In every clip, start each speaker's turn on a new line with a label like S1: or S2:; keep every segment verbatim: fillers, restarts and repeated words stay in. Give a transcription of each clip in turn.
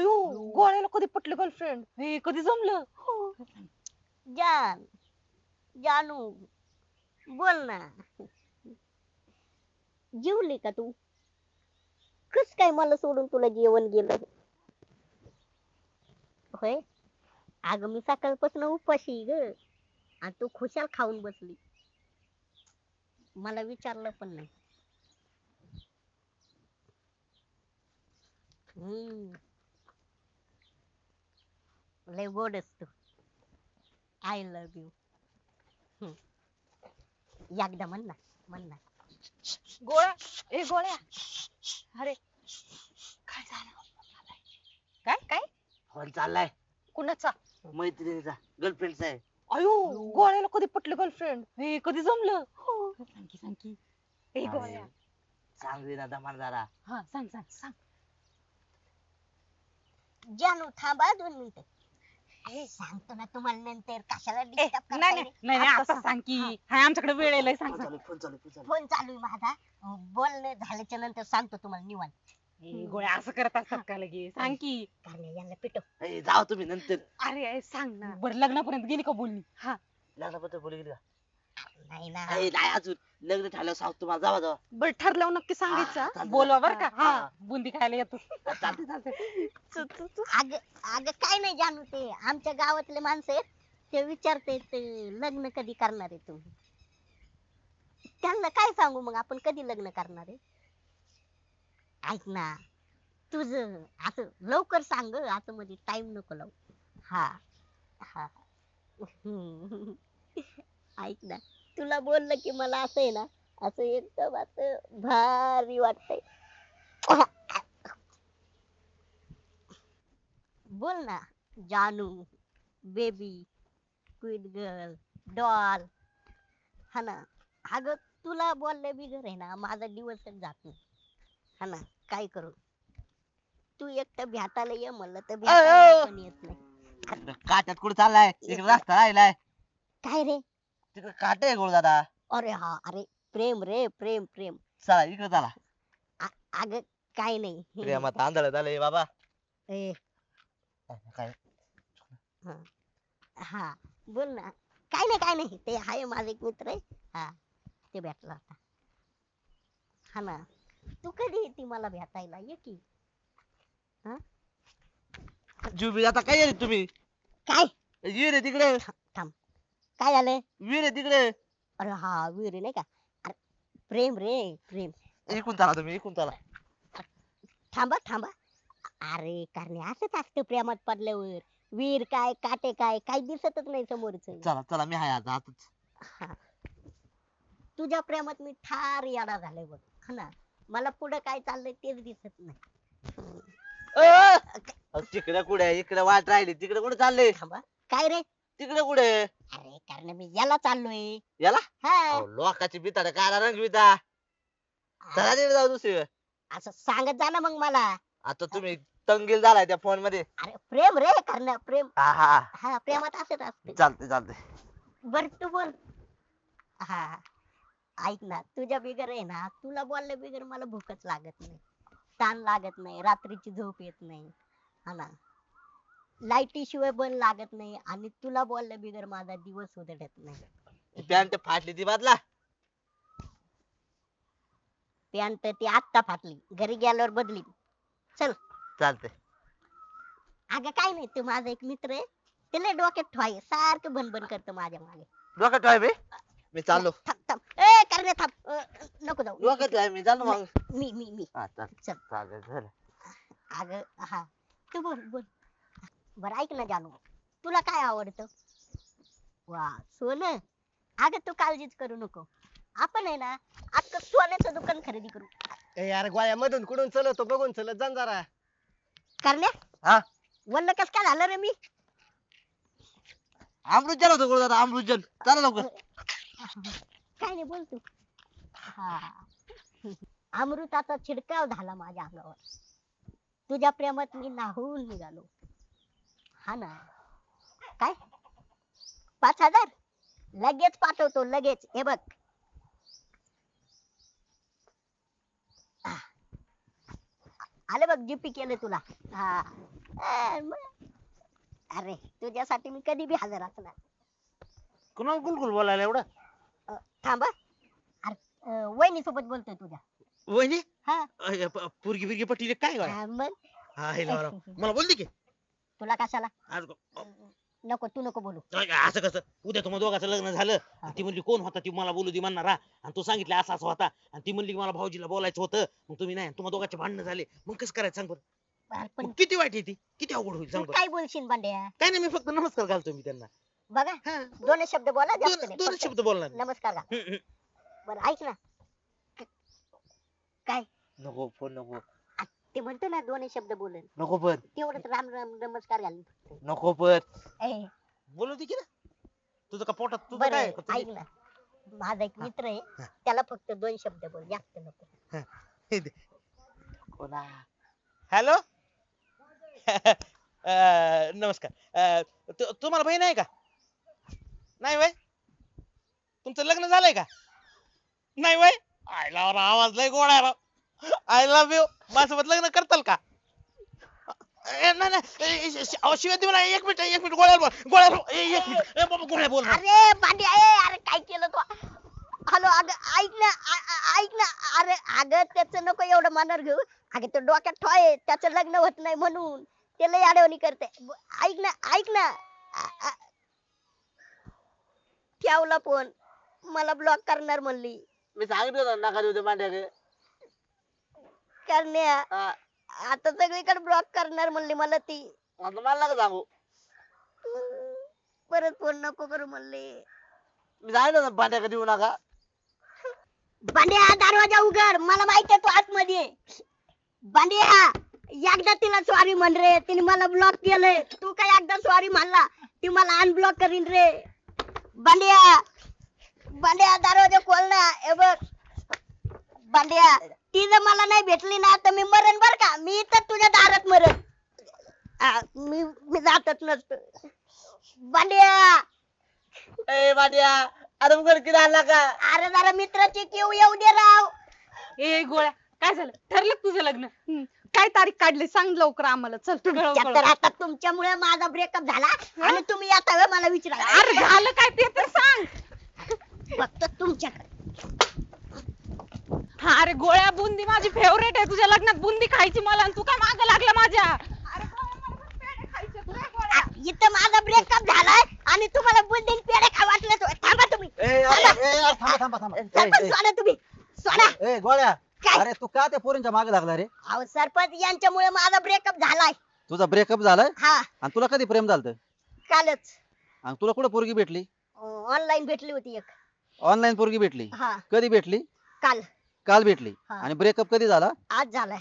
S1: अयो गोळ्याला कधी पटलं गर्लफ्रेंड हे कधी जमलं.
S2: जान जानू बोल ना. जेवली का तू? कस काय मला सोडून तुला जेवण गेलं? होय, अगं मी सकाळपासून उपाशी ग, आणि तू खुशाल खाऊन बसली, मला विचारलं पण नाही. हम्म लय गोडस तू. I love you. एकदा म्हण ना, म्हण ना.
S1: गोळ्या ए गोळ्या अरे काय झालं. काय काय
S3: फोन चाललाय
S1: कुणाचा.
S3: मैत्रिणीचा, गर्लफ्रेंडचा आहे.
S1: अयो गोळ्याला कधी पटलं गर्लफ्रेंड हे कधी जमलं. सांग की सांग की ए
S3: अरे,
S1: गोळ्या.
S3: सांग रे ना दमान जरा.
S1: हा सांग सांग सांग.
S2: जानू थांबा दोन मिनिटं. सांगतो ना तुम्हाला नंतर, कशाला
S1: ए,
S2: डिस्टर्ब
S1: नाही
S2: करताय
S1: नाही
S2: रे?
S1: नाही नाही आता सांग की हाय आमच्याकडे वेळ आहे लय. सांग
S3: फोन
S1: सांग.
S3: चालू फोन चालू फोन चालू.
S2: फोन चालू आहे माझा, बोलणं झाल्याच्या नंतर सांगतो तुम्हाला निवांत.
S1: ए, गोळ्या असं करत असतात का लगे. सांग की.
S2: कारण यांना पिटव.
S3: ए, जाओ तुम्ही नंतर.
S1: अरे अरे, सांग ना. बरं लग्नापर्यंत गेली का बोलणी. हा
S3: लग्नाबद्दल बोलू गेली का?
S2: नाही ना.
S3: ए, नाही अजून लग्न ठरल्यावर सांगतो तुम्हाला. जावा जावा.
S1: बरं ठरल्यावर नक्की
S3: हा,
S1: सांगायचं.
S3: चालतंय.
S1: बोलवा बर का.
S3: हा.
S1: हा बुंदी खायला येतो.
S3: चालते चालते.
S1: तू- तू- तू.
S2: अग अग काय नाही जानू, ते आमच्या गावातले माणसं आहेत, ते विचारते लग्न कधी करणार आहे तुम्ही. त्यांना काय सांगू मग आपण कधी लग्न करणार आहे. ऐक ना, तुझ असं लवकर सांग, असं मध्ये टाइम नको लावू. हा हा. हम्म. ऐक ना, तुला बोललं की मला असं आहे ना, असं एकदम असं भारी वाटतंय. बोल ना जानू, बेबी, क्वीट गर्ल, डॉल. हा ना. अगं तुला बोलल्या बिगर आहे ना माझा दिवसच जात नाही. हा ना, काय करू. तू एकटं भेटायला ये म्हणलं तर भेटायला पण येत नाही.
S3: तिकडं काट्यात कुठे चाललाय? तिकडे रस्ता राहिलाय.
S2: काय रे?
S3: तिकडे काटे आहे गोळ दादा.
S2: अरे हा, अरे प्रेम रे, प्रेम प्रेम.
S3: चला इकडे चला.
S2: आ- अगं काय नाही.
S3: प्रेमात आंधळ झालंय बाबा.
S2: ए,
S3: काय
S2: हा हा, बोल ना. काय नाही काय नाही, ते आहे माझा एक मित्र आहे. हा, ते भेटला होता. हा ना, तू कधी येते मला भेटायला? ये की. हा
S3: जुबी आता काय येईल तुम्ही?
S2: काय?
S3: विहीर आहे तिकडे.
S2: थांब, काय झालं?
S3: विहीर आहे तिकडे.
S2: अरे हा, वीर नाही का. अरे प्रेम रे, प्रेम.
S3: इकून चला तुम्ही, इकून चला.
S2: थांबा थांबा. अरे कारण असंच असतं प्रेमात पडल्यावर. वीर काय काटे काय काही दिसतच नाही समोरच.
S3: चला चला, मी आहे आता आताच.
S2: हा. तुझ्या प्रेमात मी ठार याडा झालोय बघ. हा ना, मला पुढे काय चाललंय तेच दिसत नाही.
S3: तिकडे कुठे, इकडे वाट राहिली. तिकडे कुठे चालले?
S2: थांबा. काय रे?
S3: तिकडे कुठे?
S2: अरे कारण मी याला चाललोय.
S3: याला
S2: हा,
S3: अहो, लोकाची बिताड काला रंग बिता. चला तिकडे जाऊ दुसरी.
S2: असं सांगत जा ना मग मला.
S3: आता तुम्ही तंगील झालाय त्या फोन मध्ये.
S2: अरे प्रेम रे कारण प्रेम.
S3: हा हा,
S2: हा, प्रेमात असंच असते.
S3: चालते चालते.
S2: बर तू बोल. हा, ऐक ना, तुझ्या बिगर आहे ना, तुला बोलल्या बिगर मला भूकच लागत नाही, ताण लागत नाही, रात्रीची झोप येत नाही. हा ना, लाईटी शिवाय बन लागत नाही, आणि तुला बोलल्या बिगर माझा दिवस उधळत नाही.
S3: पॅन्ट फाटली ती बादला.
S2: पॅन्ट ती आत्ता फाटली, घरी गेल्यावर बदली. चल.
S3: चालते.
S2: अगं काय नाही, तू माझा एक मित्र आहे, त्याला डोक्यात ठेवाय सारखं बनबन करतं माझ्या मागे.
S3: डोक्यात आहे बे. मी चाललो.
S2: थांब थांब, ए करणे थांब. अ, नको जाऊ.
S3: डोक्यात आहे मी, चाललो मग.
S2: मी मी मी
S3: हा चाल.
S2: चल.
S3: चालेल झालं.
S2: अगं हा, तू बोल बोल. बरं ऐक ना जानू, तुला काय आवडतं? वा सोनं. अगं तू काळजीच करू नको, आपण आहे ना अख्खं सोन्याचं दुकान खरेदी करू.
S4: ए यार गोळ्या मधून कुठून चलतो बघून चलत जा ना जरा.
S2: करण्या
S3: हा,
S2: वल्ल कस काय झालं रे मी?
S3: अमृतजन होतो गोळ दादा, अमृतजन. चला लवकर.
S2: काय नाही बोल तू. हा, अमृताचा छिडकाव झाला माझ्या अंगावर. तुझ्या प्रेमात मी नाहून निघालो. हा ना. काय? पाच हजार लगेच पाठवतो, लगेच. हे बघ. आले बघ, जीपी केलं तुला. हा अ, मग- अरे तुझ्यासाठी मी कधी बी हजर असणार.
S5: कुणाला गुलगुल बोलायला एवढं?
S2: अ, थांबा. अरे वहिनी सोबत बोलतोय तुझ्या.
S5: वहिनी
S2: हा
S5: अय, प- पोरगी बिरगी पटीले काय गं?
S2: हा, मग
S5: हा, हे लावा, लावा. मला बोलते की
S2: तुला कशाला?
S5: आज
S2: नको तू नको बोलू.
S5: अय, असं कसं उद्या तुम्हाला दोघांचं लग्न झालं आणि ती म्हणली कोण होता ती मला बोलू दे म्हणणार हा. आणि तू सांगितलं असा असा होता आणि ती म्हणली की मला भाऊजीला बोलायचं होतं मग तुम्ही नाही तुम्हाला दोघांचे भांडणं झाले मग कसं करायचं सांग बरं.
S2: अरे पण
S5: मग किती वाईट आहे ती किती अवघड होईल
S2: तू
S5: सांग बरं.
S2: काय बोलशील बांड्या?
S5: काय नाही मी फक्त नमस्कार घालतो मी त्यांना.
S2: बघा
S5: हा,
S2: दोन शब्द बोला, जास्त
S5: दोन
S2: नाही.
S5: दोन
S2: फक्त
S5: शब्द बोलणार.
S2: नमस्कार का?
S5: हम्म, हम्म.
S2: बरं ऐक ना. क- काय
S3: नको फोन नको
S2: ते म्हणतो ना दोन शब्द बोलेल
S3: नको पण
S2: तेवढंच राम राम नमस्कार घाल.
S3: नको पण
S2: ए,
S5: बोलू दे की ना तुझं का पोटात तुझं
S2: बरं
S5: काय
S2: ऐक ना, माझा एक मित्र आहे
S5: हा.
S2: त्याला फक्त दोन शब्द बोल, जास्त नको.
S3: कोणा
S5: हॅलो नमस्कार अ, तु- तुम्हाला बहीण आहे का? नाही वय तुमचं लग्न झालंय का? नाही वय आयला आवाज लय गोड आहे राव. आय लव्ह यू माझ्यासोबत लग्न करताल का? ए, नाही नाही ए, ए, श- अहो, शिवाय देऊ ना एक मिनिट एक मिनिट गोळ्या बोल गोळ्या बोल. ए, एक मिनिट ए, बाबा गोळ्या बोल ना.
S2: अरे बांड्या ए, अरे काय केलं तू? हॅलो अगं ऐक ना, आ- आ- ऐक ना. अरे अगं त्याचं नको एवढं मनावर घेऊ. अगं तो डोक्यात ठोय त्याचं लग्न होत नाही म्हणून ते लय अडवणी करते. ब- ऐक ना ऐक ना. आ- आ- ठेवला फोन, मला ब्लॉक करणार म्हणली.
S3: मी सांगितलं होतं नका देऊ ते मांड्या
S2: करण्या
S3: आता
S2: आता सगळीकडे ब्लॉक करणार म्हणली मला ती.
S3: मला नका सांगू.
S2: परत फोन नको करू म्हणली.
S3: मी सांगितलं होतं भांड्या देऊ नका.
S2: बांड्या दरवाजा उघड, मला माहिती आहे तू आतमध्ये आहे. बांड्या एकदा तिला सॉरी म्हण रे, तिने मला ब्लॉक केलंय. तू काय एकदा सॉरी म्हणला ती मला अनब्लॉक करीन रे. बांड्या बांड्या दरवाजा खोल ना. हे बघ बांड्या, ती जर मला नाही भेटली ना तर मी मरण बर का. मी इथं तुझ्या दारात मरण. आ, मी मी जातच नसतो. बांड्या
S3: ए भांड्या अरे उघड किती आला का?
S2: अरे जरा मित्राची किव येऊ दे राव.
S1: ए गोळ्या काय झालं? ठरलं का तुझं लग्न? हम्म. काय तारीख काढली सांग लवकर आम्हाला. चल तू
S2: तुमच्या तर आता तुमच्यामुळे माझा ब्रेकअप झाला आणि तुम्ही आता होय मला विचारा.
S1: अरे झालं काय ते तर सांग.
S2: फक्त तुमच्याकडे.
S1: हा अरे गोळ्या बुंदी माझी फेवरेट आहे. तुझ्या लग्नात बुंदी खायची मला आणि तू काय माग लागला माझ्या. अरे गोळ्या, मला पण पेढे खायचे आहेत रे गोळ्या.
S2: आ, इथं माझा ब्रेकअप झालाय आणि तुम्हाला बुंदीन पेढे खा वाटलं तर थांबा तुम्ही.
S4: ए अरे, ए, अरे, थांबा थांबा थांबा ए,
S2: सरपंच
S4: ए,
S2: सोडा तुम्ही सोडा.
S4: ए गोळ्या
S2: काय?
S4: अरे तू का त्या पोरींच्या मागे लागला रे?
S2: अहो सरपंच यांच्यामुळे माझा ब्रेकअप झालाय.
S4: तुझा ब्रेकअप झालाय
S2: हा
S4: आणि तुला कधी प्रेम झालं
S2: कालच
S4: आणि तुला कुठं पोरगी भेटली?
S2: ऑनलाईन भेटली होती एक.
S4: ऑनलाईन पोरगी भेटली.
S2: हा
S4: कधी भेटली?
S2: काल
S4: काल भेटली.
S2: हा.
S4: आणि ब्रेकअप कधी झाला?
S2: आज झालाय.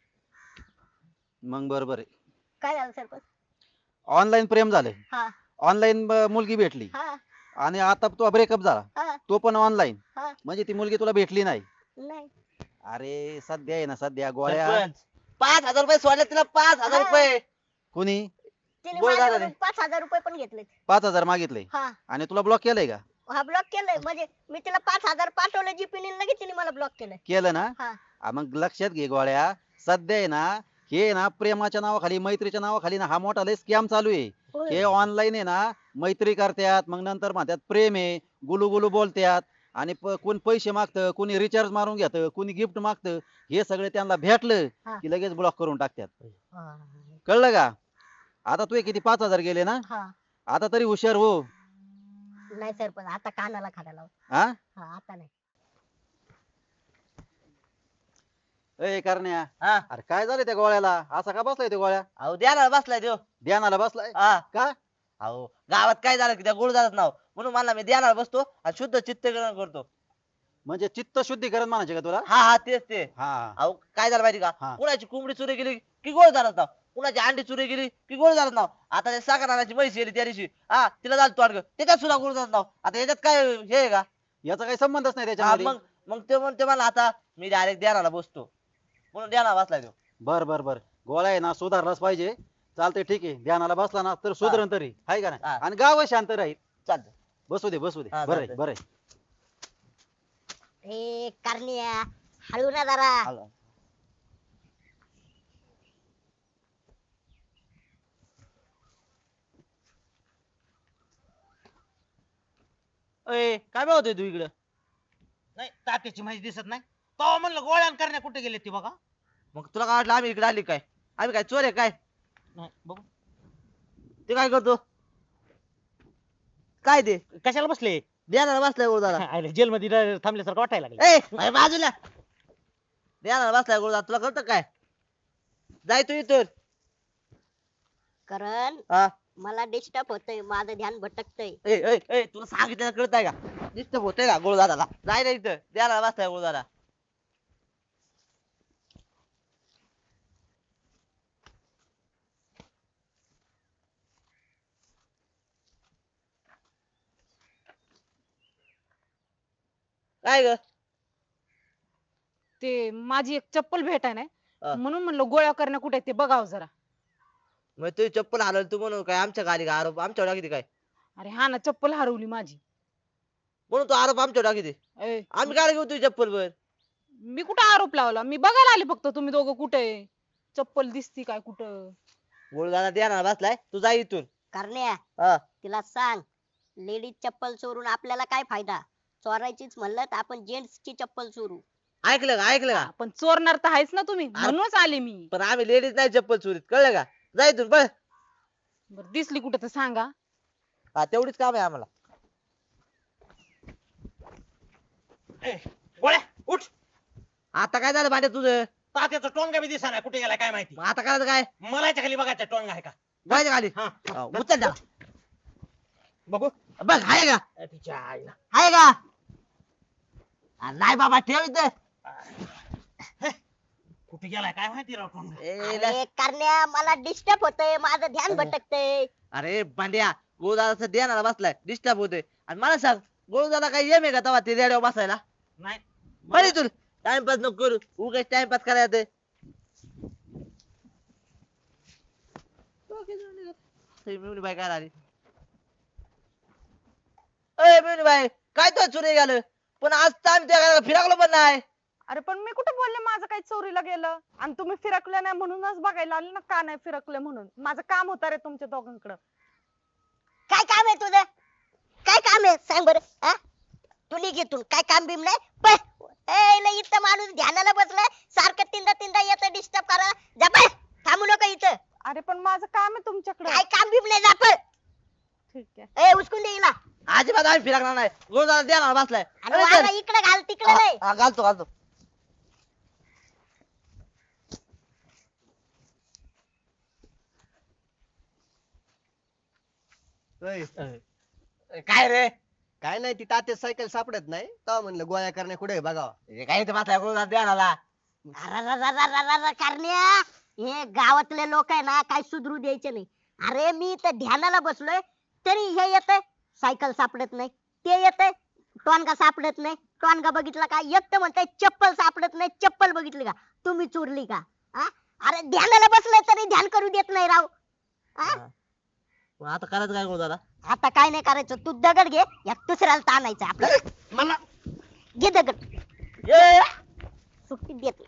S4: मग बरोबर आहे.
S2: काय झालं सरपंच?
S4: ऑनलाईन प्रेम झालंय,
S2: हा
S4: ऑनलाईन मुलगी भेटली
S2: हा
S4: आणि आता तुझा ब्रेकअप झाला
S2: हा
S4: तो पण ऑनलाईन.
S2: हा
S4: म्हणजे ती मुलगी तुला भेटली नाही.
S2: नाही.
S4: अरे सध्या आहे ना सध्या गोळ्या.
S3: सरपंच, पाच हजार रुपये सोडले तिला पाच हजार
S2: हा.
S3: रुपये.
S4: कोणी
S2: तिने
S3: गोळ झाला
S2: माझ्याकडून
S3: रे.
S2: पाच हजार रुपये पण घेतले.
S4: पाच हजार मागितले
S2: हा
S4: आणि तुला ब्लॉक केलंय का?
S2: हा ब्लॉक केलंय. म्हणजे मी तिला पाच हजार पाठवलं जीपीने लगेच तिने मला ब्लॉक केलंय.
S4: केलं ना?
S2: हा
S4: आ, मग लक्षात घे गोळ्या, सध्या आहे ना हे ना प्रेमाच्या नावाखाली मैत्रीच्या नावाखाली ना हा मोठा लय स्कॅम चालू आहे.
S2: होय.
S4: हे ऑनलाईन आहे ना मैत्री करतात मग नंतर म्हणतात प्रेम आहे, गुलू गुलू बोलतात आणि प- कोण पैसे मागतं, कोणी रिचार्ज मारून घेतं, कोणी गिफ्ट मागतं. हे सगळे त्यांना भेटलं
S2: हा.
S4: की लगेच ब्लॉक करून टाकतात.
S2: हा,
S4: कळलं का? आता तू किती पाच हजार गेले ना?
S2: हा.
S4: आता तरी हुशार हो.
S2: नाही सरपंच आता कानाला खाडा लाव.
S4: हा
S2: हा आता नाही.
S4: ए करण्या,
S3: हा
S4: अरे काय झालं त्या गोळ्याला? असा का बसलाय त्या गोळ्या?
S3: अहो द्यायला बसलाय देव.
S4: ध्यानाला बसलाय
S3: हा
S4: का?
S3: अहो गावात काय झालं की त्या गुळदाराचं नाव म्हणून मला मी द्यायला बसतो आणि शुद्ध चित्तकरण करतो.
S4: म्हणजे चित्त शुद्धीकरण म्हणायचे का तुला?
S3: हा हा तेच ते.
S4: हा
S3: अहो काय झालं माहिती
S4: हा.
S3: का, कुणाची कोंबडी चोरी गेली की गोळ झालं नाव, कुणाची अंडी चोरी गेली की गोळ झालं नाव. आता ते साखर आणायची म्हैस गेली त्या दिवशी, हा तिला झालं तोंड, त्याच्यात सुद्धा गोळ झालं नाव. आता याच्यात काय हे आहे का?
S4: याचा काही संबंधच नाही
S3: हा,
S4: त्याच्यामध्ये.
S3: मग मग ते म्हणते मला आता मी डायरेक्ट द्यायला बसतो म्हणून द्यायला बसलाय तो.
S4: बर बर बर गोळ्या आहे ना सुधारलाच पाहिजे. चालतंय ठीक आहे, ध्यानाला बसला ना तर सुधरण तरी हाय का नाही?
S3: हा.
S4: आणि गाव शांत राहील.
S3: चालतं.
S4: बसू दे बसू दे.
S3: हा,
S4: बरं आहे,
S3: चालतंय.
S4: बरं आहे.
S2: ए करण्या हळू ना जरा.
S3: आलो. अय काय बघतोय तू इकडं?
S5: नाही तात्याची माहिती दिसत नाही. तेव्हा म्हणलं गोळ्या करण्या कुठे गेले ते बघा.
S3: मग तुला काय वाटलं आम्ही इकडे आली काय? आम्ही काय चोर आहे काय?
S5: नाही बघू
S3: ते काय करतो? काय ते
S5: कशाला बसले.
S3: द्यायला बसलाय गुरुदादा.
S5: जेल मध्ये थांबल्यासारखं वाटायला लागलं.
S3: ए अरे बाजूला द्यायला बसलाय गुरुदादा. तुला कळतं काय? जाय तू इथून.
S2: करण
S3: हा
S2: मला डिस्टर्ब होतंय, माझं ध्यान भटकतंय.
S3: ए ए ए तुला सांगितलं कळतंय का? डिस्टर्ब होतंय का गुरुदादाला? जाय ना इथं द्यायला बसलाय गुरुदादा. काय ग?
S1: ते माझी एक चप्पल भेटाय नाही
S3: हा.
S1: म्हणून म्हणलं गोळ्या करण्या कुठे आहेत ते बघावं जरा.
S3: मग तुझी चप्पल हरवली तू म्हणून काय आमच्या गाडी का आरोप आमच्यावर टाकी काय?
S1: अरे हा ना, चप्पल हरवली माझी.
S3: म्हणून तू आरोप आमच्यावर टाकी
S1: ए,
S3: आम्ही काय घेऊ तुझी चप्पल वर?
S1: मी कुठं आरोप लावला? मी बघायला आले फक्त तुम्ही दोघं कुठे आहे. चप्पल दिसती काय कुठं?
S3: गुरुदादा द्यायला बसलाय तू जा इथून.
S2: करण्या
S3: हा
S2: तिला सांग, लेडीज चप्पल चोरून आपल्याला काय फायदा? चोरायचीच म्हणलं तर आपण जेंट्स ची चप्पल चोरू.
S3: ऐकलं का? ऐकलं का?
S1: पण चोरणार तर आहेच ना तुम्ही, म्हणूनच आले मी.
S3: पण आम्ही लेडीज नाही चप्पल चोरीत, कळलं का? जा इथून पळ.
S1: बरं दिसली कुठं तर सांगा.
S3: हा तेवढीच काम आहे आम्हाला.
S5: ए, गोळ्या उठ.
S3: आता काय झालं भांड्या तुझं?
S5: तात्याचा टोंगा बी दिसा कुठे गेला काय माहिती.
S3: मग आता करायचं काय?
S5: मलाच्या खाली बघायचा टोंगा आहे का.
S3: जायचं खाली.
S5: हा
S3: हा, उचल त्याला.
S5: बघू.
S3: बघ आहे का?
S5: ए, तिच्या आईला.
S3: आहे का? आ, नाही बाबा ठेव इथं.
S5: कुठे गेलाय काय माहिती राव टोंगा.
S3: ए,
S2: अरे करण्या मला डिस्टर्ब होतंय, माझं ध्यान भटकतंय.
S3: अरे भांड्या गोळदादाचं देणारा बसलाय डिस्टर्ब होतोय. आणि मला सांग गोळदादा काही येम आहे का तेव्हा ते रेड्यावर बसायला?
S5: नाही
S3: बरं इथून टाइमपास नको करू. उगाच टाइमपास करायला येतंय. मिळून बाई काय आली? अय मिळून बाई काय तो चोरी गेलं? पण आज तर आम्ही त्या घराला फिरकलो पण नाही.
S1: अरे पण मी कुठं बोलले माझं काही चोरीला गेलं? आणि तुम्ही फिरकले नाही म्हणूनच बघायला आले ना, का नाही फिरकले म्हणून. माझं काम होतं रे तुमच्या दोघांकडं.
S2: काय काम आहे तुझं? काय काम आहे सांग बरं. हा? तू निघ इथून, काय काम बिम नाही. पळ. ए लय इथं माणूस ध्यानाला बसलाय, सारखं तीनदा तीनदा येतं डिस्टर्ब करा. जा पळ, थांबू नको इथं.
S1: अरे पण माझं काम आहे तुमच्याकडे.
S2: काय काम बिम नाही, जा पळ.
S1: ठीक आहे.
S2: ए उचकून दे हिला.
S3: अजिबात आम्ही फिरकणार नाही. गोळदादा देणार बसलाय.
S2: आणि वारा इकडे घाल, तिकडे नाही.
S3: हा, घालतो घालतो. काय रे?
S6: काय नाही, ती तात्या सायकल सापडत नाही तेव्हा म्हणलं गोळ्या करण्या कुठे बघावा.
S3: हे काय इथे बसलाय गोळदादा देणारा?
S2: अरररररररर, करण्या हे गावातले लोक आहे ना, काय सुधरू द्यायचे नाही. अरे मी इथं ध्यानाला बसलोय तरी हे येतंय सायकल सापडत नाही, ते येतंय टोनगा सापडत नाही. टोनगा बघितला का? एकटं म्हणताय चप्पल सापडत नाही. चप्पल बघितली का? तुम्ही चोरली का? हा? अरे ध्यानाला बसलोय तरी ध्यान करू देत नाही राव. हा?
S3: मग आता करायचं काय गोळदादा?
S2: आता काय नाही करायचं, तू दगड घे, या दुसऱ्याला ताणायचं आपल्याला.
S5: मला
S2: घे दगड,
S3: ए,
S2: सुट्टी देत नाही.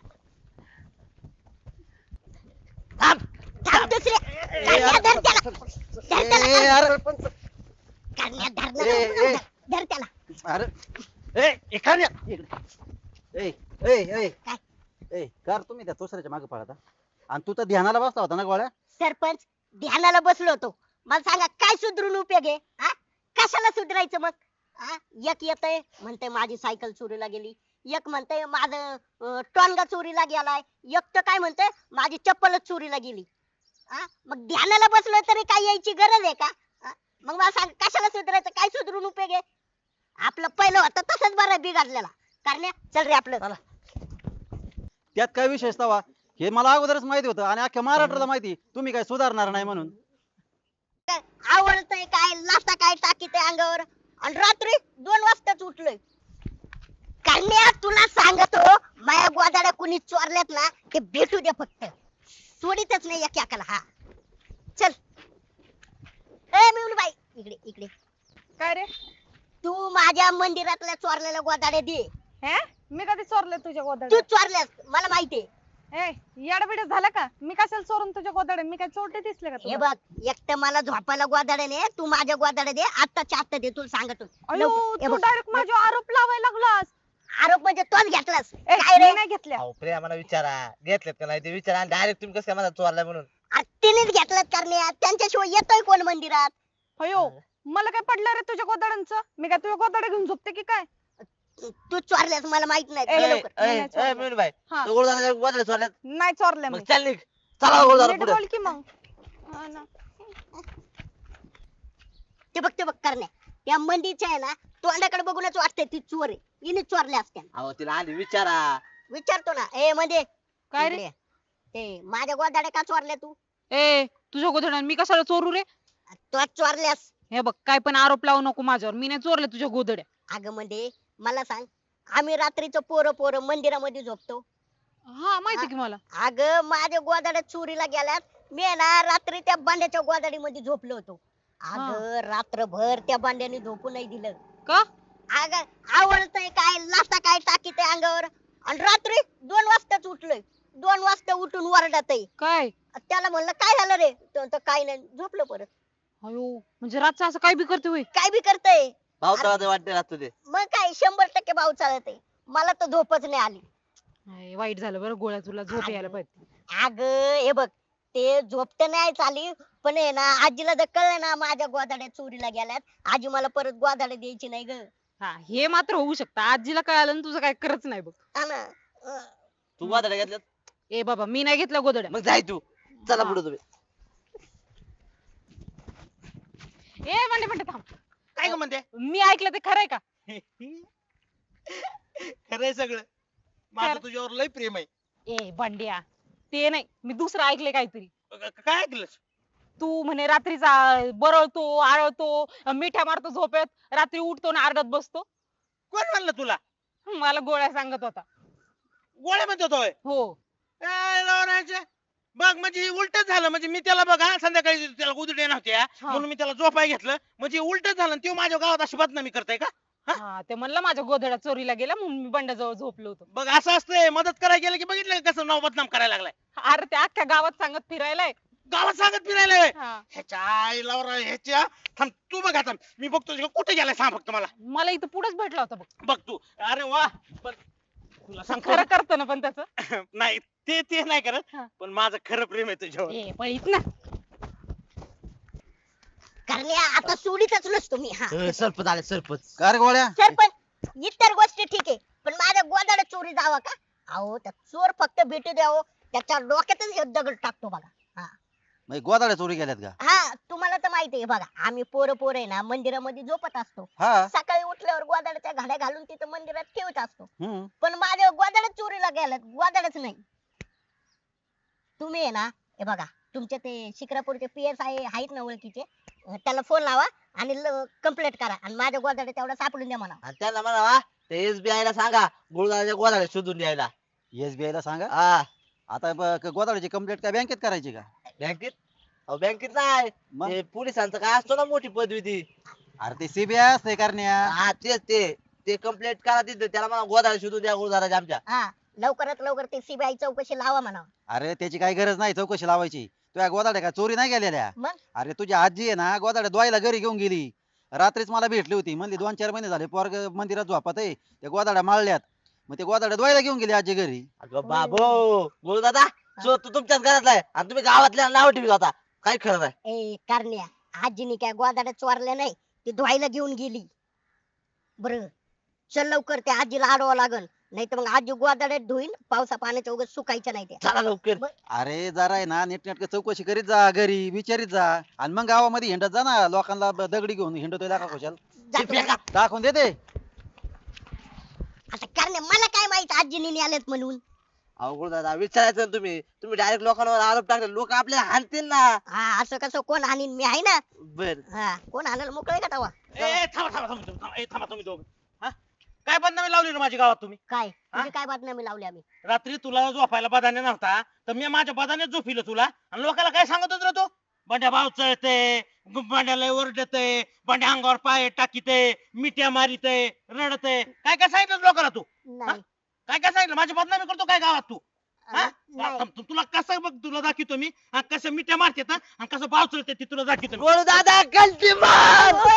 S3: थांब.
S2: थांब दुसऱ्या. करण्या, धर त्याला. धर
S4: ए,
S2: त्याला.
S4: अरे
S2: करण्या, धर ना.
S4: ए, ए.
S2: धर त्याला.
S4: अरे
S5: ए एखाद्या
S4: ए ए ए
S2: काय?
S4: ए कर तुम्ही त्या दुसऱ्याच्या मागे पळता आणि तू तर ध्यानाला बसला होता ना गोळ्या.
S2: सरपंच ध्यानाला बसलो होतो, मला सांगा काय सुधरून उपयोग आहे? हा? कशाला सुधरायचं मग? हा? एक येतंय म्हणतंय माझी सायकल चोरीला गेली, एक म्हणतंय माझं अं, टोनगा चोरीला गेलाय, एक तर काय म्हणतंय माझी चप्पलच चोरीला गेली. हा? मग ध्यानाला बसलो तरी काय यायची गरज आहे का? हा? मग मला सांग कशाला सुधरायचं, काय सुधरून उपयोग आहे? आपलं पहिलं होतं तसंच बरं बिघडलेला. करण्या चल रे आपलं.
S3: चला.
S4: त्यात काय विशेष तवा? हे मला अगोदरच माहिती होतं आणि अख्ख्या महाराष्ट्राला माहिती तुम्ही काय सुधारणार नाही म्हणून.
S2: आवडतंय काय, लाथा काय टाकीत अंगावर, आणि रात्री दोन वाजताच उठलोय. करण्या तुला सांगतो, माया गोदाड्या कुणी चोरल्यात ना ते भेटू दे फक्त, सोडीतच नाही एकाला. हा चल. ए मिळून इकडे इकडे.
S1: काय रे?
S2: तू माझ्या मंदिरातल्या चोरलेल्या गोदाड्या दे.
S1: हे मी कधी चोरले तुझ्या
S2: तू
S1: गोदाड्या?
S2: चोरल्यास मला माहितीये.
S1: ए येडबिड झालं का? मी कशाला चोरून तुझ्या गोदाडे? मी काय चोरटे दिसले का
S2: हे
S1: तुला?
S2: बघ एकटं मला झोपायला गोदाड्याने तू माझ्या गोदाड्या दे आत्ताच्या आत्ता दे तुला सांगतो
S1: अयो
S2: लवकर- हे
S1: तू
S2: बघ,
S1: डायरेक्ट माझ्यावर आरोप लावायला लागलास.
S2: आरोप म्हणजे तोच घेतलास
S1: ए,
S2: काय
S1: मी
S2: रे
S1: नाही घेतल्या.
S3: अहो प्रेमाला विचारा घेतलेत का नाही ते विचारा आणि डायरेक्ट तुम्ही कसं काय माझा चोरलाय म्हणून.
S2: आ, तिनेच घेतलात करणे त्यांच्याशिवाय येतोय कोण मंदिरात
S1: अयो मला काय पडलं रे तुझ्या गोदाड्यांचं? मी काय तुझ्या गोदाडे घेऊन झोपते की काय?
S2: तू चोरल्यास मला माहित नाही
S1: ए,
S2: दे
S3: ए,
S2: लवकर.
S1: नाही,
S3: ए,
S1: नाही
S3: ए,
S1: चोरलं.
S3: मिळून बाई
S1: हा.
S3: तो गोळदाराच्या गोदाडे चोरल्यात.
S1: नाही चोरले
S3: मग
S1: मी.
S3: चल निघ चला गोळदारा
S1: नीट
S3: पुढे.
S1: बोल की मग. हा ना.
S2: ते बघ ते बघ करण्या त्या मंदीच्या आहे ना तोंडाकडे बघूनच वाटतंय ती चोर आहे हिने चोरल्या असत्या
S3: अहो तिला आधी विचारा.
S2: विचारतो ना ए मध्ये
S1: काय रे?
S2: इकडे ये. ते माझ्या गोदाड्या का चोरल्या तू
S1: ए तुझ्या गोदाड्या मी कशाला चोरू रे?
S2: तू चोरल्यास
S1: हे बघ काय पण आरोप लावू नको माझ्यावर. मी नाही चोरले तुझ्या गोदड्या.
S2: अगं मध्ये मला सांग आम्ही रात्रीचं पोरं पोरं मंदिरामध्ये झोपतो
S1: हा माहिती की मला.
S2: अगं माझ्या गोदाड्या चोरीला गेल्यात मी आहे ना रात्री त्या बांड्याच्या गोदाडीमध्ये झोपलो होतो अगं रात्रभर त्या बांड्याने झोपू नाही दिलं
S1: का?
S2: अगं आवडतंय काय लाथा काय टाकीत अंगावर आणि रात्री दोन वाजताच उठलोय दोन वाजता उठून वरडत
S1: काय?
S2: त्याला म्हणलं काय झालं रे तो म्हणतो, काय नाही झोपलो परत
S1: अयो म्हणजे रातचं असं काय बी करते होय?
S2: काय बी करतय
S3: पावसाळा वाटते राहतो ते.
S2: मग काय शंभर टक्के भाव चालत आहे मला तर झोपच नाही आली
S1: आय, वाईट झालं बरं गोळ्या तुला झोप यायला पाहिजे.
S2: अग हे बघ ते झोपत नाही चाली पण आहे ना आजीला जर कळलं ना माझ्या गोदाड्या चोरीला गेल्यात आजी मला परत गोदाड्या द्यायची नाही ग
S1: हा हे मात्र होऊ शकतं. आजीला कळालं आणि तुझं काय करच नाही बघ.
S2: हा ना अं,
S3: तू गोदाड्या घेतल्यात
S1: ए बाबा मी नाही घेतल्या गोदड्या.
S3: मग जाय तू. चला पुढे तुम्ही.
S1: ए म्हणते म्हणते थांब.
S5: काय ग म्हणते
S1: मी ऐकलं ते खरंय का?
S5: खरंय सगळं माझं
S1: खरं.
S5: तुझ्यावर लय प्रेम आहे.
S1: ए बंड्या ते नाही मी दुसरं ऐकलंय काहीतरी.
S5: क- काय ऐकलंस
S1: तू म्हणे रात्रीचा बरळतो आळतो मिठ्या मारतो झोपेत रात्री उठतो ना आरडत बसतो.
S5: कोण म्हणलं तुला
S1: मला गोळ्या सांगत होता.
S5: गोळ्या म्हणतो होय
S1: हो
S5: काय लावण्याचे? बघ म्हणजे उलट झालं म्हणजे मी त्याला बघा संध्याकाळी त्याला गुदड्या नव्हत्या म्हणून मी त्याला झोपाय घेतलं म्हणजे उलट झालं आणि तो माझ्या गावात अशी बदनामी करताय का?
S1: हा ते म्हणलं माझ्या गोधड्या चोरीला गेल्या म्हणून मी बंड्याजवळ झोपलो होतो.
S5: बघ असं असतंय मदत करायला गेलं की बघितलं का कसं नाव बदनाम करायला लागलाय.
S1: अरे ते अख्ख्या गावात सांगत फिरायलाय.
S5: गावात सांगत फिरायला होय.
S1: हा.
S5: ह्याच्या आईला वर ह्याच्या थांब तू बघ आता मी बघतो तुझ्या कुठे गेलाय सांग फक्त मला.
S1: मला इथं पुढेच भेटला होता बघ.
S5: बघ तू अरे वा पण तुला सांगतो
S1: खरं करतं ना पण त्याचं.
S5: नाही ते ते नाही करत
S1: हा.
S5: पण माझं खरं प्रेम आहे तुझ्यावर.
S1: ए पळीत ना.
S2: करण्या आता सोडीतच नसतो मी हा
S3: ए, सरपंच आले सरपंच.
S4: का रे गोळ्या
S2: सरपंच इतर गोष्टी ठीक आहे पण माझ्या गोदाड्या चोरी जावा का अहो त्या चोर फक्त भेटू द्यावं त्याच्या डोक्यातच हे दगड टाकतो बघा
S4: मग गोदाड्या चोरी गेल्यात का?
S2: हा तुम्हाला तर माहिती आहे बघा आम्ही पोरं पोरं आहे ना मंदिरामध्ये झोपत असतो
S4: हा.
S2: सकाळी उठल्यावर गोदाड्याच्या घड्या घालून तिथं मंदिरात ठेवत असतो
S4: हम्म.
S2: पण माझ्या गोदाड्या चोरीला गेल्यात गोदाड्याच नाही तुम्ही आहे ना हे बघा तुमचे ते शिक्रापूरचे पी एस आय आहेत ना ओळखीचे अं, त्याला फोन लावा आणि कंप्लेंट करा आणि माझ्या गोदाड्या तेवढा सापडून द्या म्हणा
S3: आणि त्यांना म्हणा ते एसबीआय ला सांगा गुळदाराच्या गोदाड्या शोधून द्यायला.
S4: एसबीआय ला सांगा.
S3: हा
S4: आता ब- गोदाड्याची कंप्लेंट काय बँकेत करायची का?
S3: बँकेत अहो बँकेत नाही
S4: मग
S3: ते पोलिसांचं काय असतो ना मोठी पदवी ती.
S4: अरे ते सीबीआय असते करण्या.
S3: हा तेच ते ते कंप्लेंट करा तिथे त्याला म्हणा गोदाड्या शोधून द्या गुळदाराच्या आमच्या.
S2: हा लवकरात लवकर ते सीबीआय चौकशी लावा म्हणा
S4: अरे त्याची काही गरज नाही चौकशी लावायची. तुझ्या गोदाड्या काय चोरी नाही गेलेल्या.
S2: मग
S4: अरे तुझी आजी आहे ना गोदाड्या द्वायला घरी घेऊन गेली. रात्रीच मला भेटली होती म्हणली दोन चार महिने झाले पोरग मंदिरात झोपत आहे त्या गोदाड्या माळल्यात. मग ते गोदाड्या द्वायला घेऊन गेली आजी घरी.
S3: अगं बाबो गुळदादा चोर तू तुमच्याच घरातला आहे आणि तुम्ही गावातल्या नाव ठेवी होता काय खरं नाही.
S2: ए करण्या आजीने काय गोदाड्या चोरल्या नाही ती धुवायला घेऊन गेली बर चल लवकर त्या आजीला अडवावं लागल नाही तर मग आजी गोदाड्यात धुईन पावसा पाण्याच्या उगाच सुकायच्या नाही त्या
S3: चला लवकर.
S4: अरे जरा आहे ना नीटनेटकं चौकशी करीत जा घरी विचारित जा आणि मग गावामध्ये हिंडत जा ना लोकांना ब- दगडी घेऊन हिंडतोय दाखवा खुशाल
S2: जातो.
S3: फेका.
S4: दाखवून देते.
S2: आता करण्या मला काय माहित आजीने न्यालेत म्हणून
S3: अहो गुळदादा विचारायचं ना तुम्ही तुम्ही डायरेक्ट लोकांवर आरोप टाकले लोक आपल्याला हाणतील ना.
S2: हा असं कसं कोण आणीन मी आहे ना
S3: बर
S2: हा कोण आणायला मोकळे का तवा
S5: ए थांबा थांबा थांबा थांबा ए, थांबा तुम्ही दोघं हा काय बदनामी लावली रे माझ्या गावात तुम्ही.
S2: काय तुझी काय बातमी लावली आम्ही
S5: रात्री तुला झोपायला बदाने नव्हता तर मी माझ्या बदानेच झोपिलं तुला आणि लोकांना काय सांगत होत रे तू बंड्या भाव चळते बंड्याला ओरडते बंड्या अंगावर पाय टाकीते मिट्या मारिते रडते काय काय सांगितलं लोकांना तू
S2: नाही
S5: काय काय सांगितलं माझी बदनामी करतो काय गावात तू हा?
S2: नाही.
S5: थांब, तु- तुला कसं बघ तुला दाखवतो मी हा, कसं मिठ्या मारतात हा, आणि कसं पाव चढते ते तुला दाखवतो मी.
S3: गोळू दादा गलती मार